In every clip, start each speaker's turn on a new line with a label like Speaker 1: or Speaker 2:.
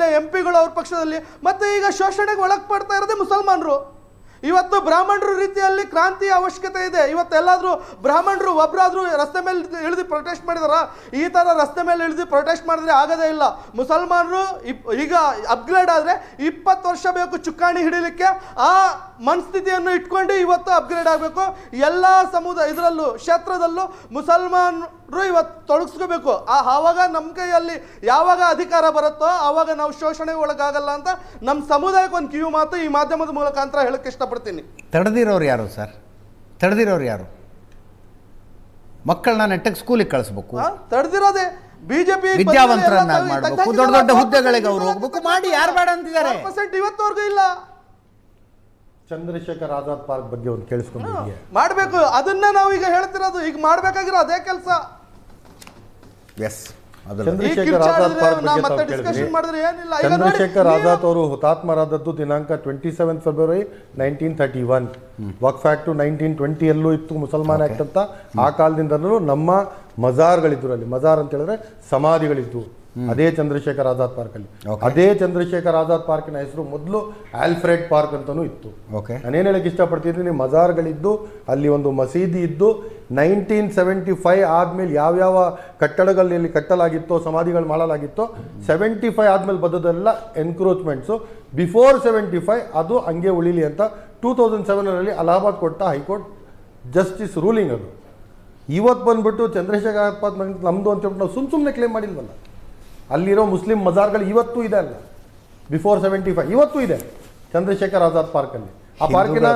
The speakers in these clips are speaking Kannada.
Speaker 1: MP ಗಳು ಅವ್ರ ಪಕ್ಷದಲ್ಲಿ, ಮತ್ತೆ ಈಗ ಶೋಷಣೆಗೆ ಒಳಪಡ್ತಾ ಇರೋದೇ ಮುಸಲ್ಮಾನರು. ಇವತ್ತು ಬ್ರಾಹ್ಮಣರು ರೀತಿಯಲ್ಲಿ ಕ್ರಾಂತಿಯ ಅವಶ್ಯಕತೆ ಇದೆ. ಇವತ್ತೆಲ್ಲಾದರೂ ಬ್ರಾಹ್ಮಣರು ಒಬ್ಬರಾದರೂ ರಸ್ತೆ ಮೇಲೆ ಇಳಿದು ಪ್ರೊಟೆಸ್ಟ್ ಮಾಡಿದಾರ? ಈ ಥರ ರಸ್ತೆ ಮೇಲೆ ಇಳಿದು ಪ್ರೊಟೆಸ್ಟ್ ಮಾಡಿದ್ರೆ ಆಗೋದೇ ಇಲ್ಲ. ಮುಸಲ್ಮಾನರು ಈಗ ಅಪ್ಗ್ರೇಡ್ ಆದರೆ 20 ವರ್ಷ ಬೇಕು ಚುಕ್ಕಾಣಿ ಹಿಡಿಲಿಕ್ಕೆ. ಆ ಮನಸ್ಥಿತಿಯನ್ನು ಇಟ್ಕೊಂಡು ಇವತ್ತು ಅಪ್ಗ್ರೇಡ್ ಆಗಬೇಕು. ಎಲ್ಲ ಇದರಲ್ಲೂ ಕ್ಷೇತ್ರದಲ್ಲೂ ಮುಸಲ್ಮಾನರು ಇವತ್ತು ತೊಡಗಿಸ್ಕೋಬೇಕು. ಆವಾಗ ನಮ್ಮ ಕೈಯಲ್ಲಿ ಯಾವಾಗ ಅಧಿಕಾರ ಬರುತ್ತೋ ಆವಾಗ ನಾವು ಶೋಷಣೆಗೆ ಒಳಗಾಗಲ್ಲ ಅಂತ ನಮ್ಮ ಸಮುದಾಯಕ್ಕೆ ಒಂದು ಕಿವಿ ಮಾತು ಈ ಮಾಧ್ಯಮದ ಮುಖಾಂತರ ಹೇಳಕ್ಕೆ ಇಷ್ಟಪಡ್ತೀನಿ.
Speaker 2: ತಡೆದಿರೋರು ಯಾರು ಸರ್? ತಡೆದಿರೋರು ಯಾರು? ಮಕ್ಕಳನ್ನ ನೆಟ್ಟಗೆ ಸ್ಕೂಲಿಗೆ ಕಳಿಸ್ಬೇಕು,
Speaker 1: ತಡೆದಿರೋದೇ ಬಿಜೆಪಿ.
Speaker 2: ವಿದ್ಯಾವಂತರನ್ನ ಮಾಡಬೇಕು, ದೊಡ್ಡ ದೊಡ್ಡ ಹುದ್ದೆಗಳಿಗೆ ಅವರು ಹೋಗ್ಬೇಕು, ಮಾಡಿ ಯಾರು ಬೇಡ ಅಂತಿದ್ದಾರೆ?
Speaker 1: ಇವತ್ತವರೆಗೂ ಇಲ್ಲ.
Speaker 3: ಚಂದ್ರಶೇಖರ್ ಆಜಾದ್ ಪಾರ್ಕ್ ಬಗ್ಗೆ ಒಂದು ಕೇಳಿಸ್ಕೊಂಡಿದ್ದೀವಿ,
Speaker 1: ಮಾಡಬೇಕು. ಅದನ್ನ ನಾವು ಈಗ ಹೇಳ್ತಿರೋದು, ಈಗ ಮಾಡಬೇಕಾಗಿರೋ ಅದೇ ಕೆಲಸ.
Speaker 2: ಎಸ್,
Speaker 3: ಚಂದ್ರಶೇಖರ್ ಆಜಾದ್ ಪಾರ್ಕ್ ಬಗ್ಗೆ ಚಂದ್ರಶೇಖರ್ ಆಜಾದ್ ಅವರು ಹುತಾತ್ಮರಾದದ್ದು ದಿನಾಂಕ 27 ಫೆಬ್ರವರಿ 1931. ವಕ್ಫ್ ಆಕ್ಟ್ 1920 ಯಲ್ಲೂ ಇತ್ತು, ಮುಸಲ್ಮಾನ್ ಆಕ್ಟ್ ಅಂತ. ಆ ಕಾಲದಿಂದಲೂ ನಮ್ಮ ಮಜಾರ್ಗಳಿದ್ರು. ಅಲ್ಲಿ ಮಜಾರ್ ಅಂತ ಹೇಳಿದ್ರೆ ಸಮಾಧಿಗಳಿದ್ದು ಅದೇ ಚಂದ್ರಶೇಖರ್ ಆಜಾದ್ ಪಾರ್ಕ್ ಅಲ್ಲಿ. ಅದೇ ಚಂದ್ರಶೇಖರ್ ಆಜಾದ್ ಪಾರ್ಕಿನ ಹೆಸರು ಮೊದಲು ಆಲ್ಫ್ರೆಡ್ ಪಾರ್ಕ್ ಅಂತಾನೂ ಇತ್ತು. ನಾನೇನು ಹೇಳಕ್ಕೆ ಇಷ್ಟಪಡ್ತಿದ್ದೀನಿ, ಮಜಾರ್ಗಳಿದ್ದು, ಅಲ್ಲಿ ಒಂದು ಮಸೀದಿ ಇದ್ದು, 1975 ಆದ್ಮೇಲೆ ಯಾವ್ಯಾವ ಕಟ್ಟಡಗಳಲ್ಲಿ ಕಟ್ಟಲಾಗಿತ್ತೋ, ಸಮಾಧಿಗಳು ಮಾಡಲಾಗಿತ್ತೋ, 75 ಆದ್ಮೇಲೆ ಬದದೆಲ್ಲ ಎನ್ಕ್ರೋಚ್ಮೆಂಟ್ಸು. ಬಿಫೋರ್ 75 ಅದು ಹಂಗೆ ಉಳಿಲಿ ಅಂತ 2007 ಅಲಹಾಬಾದ್ ಕೊಟ್ಟ ಹೈಕೋರ್ಟ್ ಜಸ್ಟಿಸ್ ರೂಲಿಂಗ್ ಅದು. ಇವತ್ತು ಬಂದ್ಬಿಟ್ಟು ಚಂದ್ರಶೇಖರ್ ಆಜಾದ್ ಪಾರ್ಕ್ ನಮ್ಮದು ಅಂತ ಹೇಳ್ಬಿಟ್ಟು ನಾವು ಸುಮ್ಮನೆ ಕ್ಲೇಮ್ ಮಾಡಿಲ್ವಲ್ಲ. ಅಲ್ಲಿರೋ ಮುಸ್ಲಿಂ ಮಜಾರ್ಗಳು ಇವತ್ತೂ ಇದೆ ಅಲ್ಲ, ಬಿಫೋರ್ 75 ಇವತ್ತೂ ಇದೆ ಚಂದ್ರಶೇಖರ್ ಆಜಾದ್ ಪಾರ್ಕಲ್ಲಿ. ಆ ಪಾರ್ಕಿನ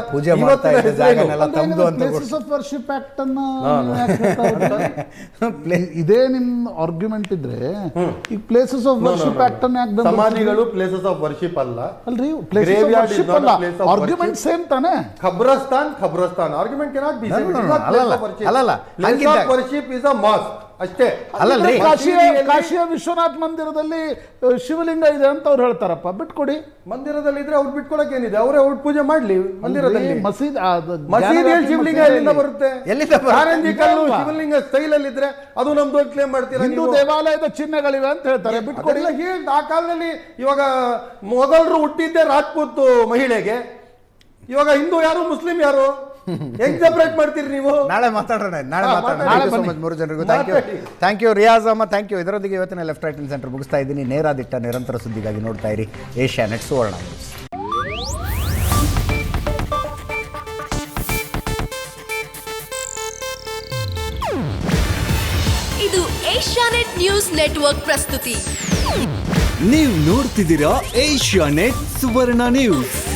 Speaker 4: ಇದೇ ನಿಮ್ ಆರ್ಗ್ಯುಮೆಂಟ್ ಇದ್ರೆ ಈಗ ಪ್ಲೇಸಸ್ ಆಫ್ ವರ್ಷಿಪ್ ಆಕ್ಟ್ ಅನ್ನ
Speaker 3: ಸಮಾಧಿಗಳು ಪ್ಲೇಸಸ್ ಆಫ್ ವರ್ಷಿಪ್ ಅಲ್ಲ
Speaker 4: ಅಲ್ರಿ, ಆರ್ಗ್ಯುಮೆಂಟ್ ಸೇಮ್ ತಾನೆ.
Speaker 3: ಖಬ್ರಸ್ತಾನ್ argument cannot be worship is a mosque ಅಷ್ಟೇ.
Speaker 4: ಅಲ್ಲಲ್ರಿ, ಕಾಶಿಯ ವಿಶ್ವನಾಥ್ ಮಂದಿರದಲ್ಲಿ ಶಿವಲಿಂಗ ಇದೆ ಅಂತ ಅವ್ರು ಹೇಳ್ತಾರಪ್ಪ, ಬಿಟ್ಕೊಡಿ.
Speaker 3: ಮಂದಿರದಲ್ಲಿ ಇದ್ರೆ ಅವ್ರು ಬಿಟ್ಕೊಡಕ್ ಏನಿದೆ, ಅವರೇ ಅವ್ರು ಪೂಜೆ ಮಾಡ್ಲಿ. ಮಂದಿರದಲ್ಲಿ ಮಸೀದಿಯಲ್ಲಿ ಶಿವಲಿಂಗ ಎಲ್ಲಿಂದ ಬರುತ್ತೆ? ಕಾರಂಜಿ ಕಲ್ಲು ಶಿವಲಿಂಗ ಸ್ಟೈಲ್ ಅಲ್ಲಿ ಇದ್ರೆ ಅದು ನಮ್ದು ಕ್ಲೇಮ್ ಮಾಡ್ತೀರಾ?
Speaker 4: ಹಿಂದೂ ದೇವಾಲಯದ ಚಿಹ್ನೆಗಳಿವೆ ಅಂತ ಹೇಳ್ತಾರೆ, ಬಿಟ್ಕೊಡಿ.
Speaker 3: ಆ ಕಾಲದಲ್ಲಿ ಇವಾಗ ಮೊಘಲರು ಹುಟ್ಟಿದ್ದೆ ರಾಜ್ಪೂತ್ ಮಹಿಳೆಗೆ, ಇವಾಗ ಹಿಂದೂ ಯಾರು ಮುಸ್ಲಿಂ ಯಾರು ಹೆಂಗ್ ಸೆಪರೇಟ್ ಮಾಡ್ತೀರಿ ನೀವು?
Speaker 2: ನಾಳೆ ಮಾತಾಡೋಣ. ಮೂರು ಜನರಿಗೂ thank you. Riyaz Ahmed, thank you. ಇದರೊಂದಿಗೆ ಇವತ್ತಿನ ಲೆಫ್ಟ್ ರೈಟ್ ಸೆಂಟರ್ ಮುಗಿಸ್ತಾ ಇದ್ದೀನಿ. ನೇರ ದಿಟ್ಟ ನಿರಂತರ ಸುದ್ದಿಗಾಗಿ ನೋಡ್ತಾ ಇರಿ ಏಷ್ಯಾನೆಟ್ ಸುವರ್ಣ ನ್ಯೂಸ್.
Speaker 5: ಇದು ಏಷ್ಯಾನೆಟ್ ನ್ಯೂಸ್ ನೆಟ್ವರ್ಕ್ ಪ್ರಸ್ತುತಿ.
Speaker 6: ನೀವು ನೋಡ್ತಿದ್ದೀರಾ ಏಷ್ಯಾನೆಟ್ ಸುವರ್ಣ ನ್ಯೂಸ್.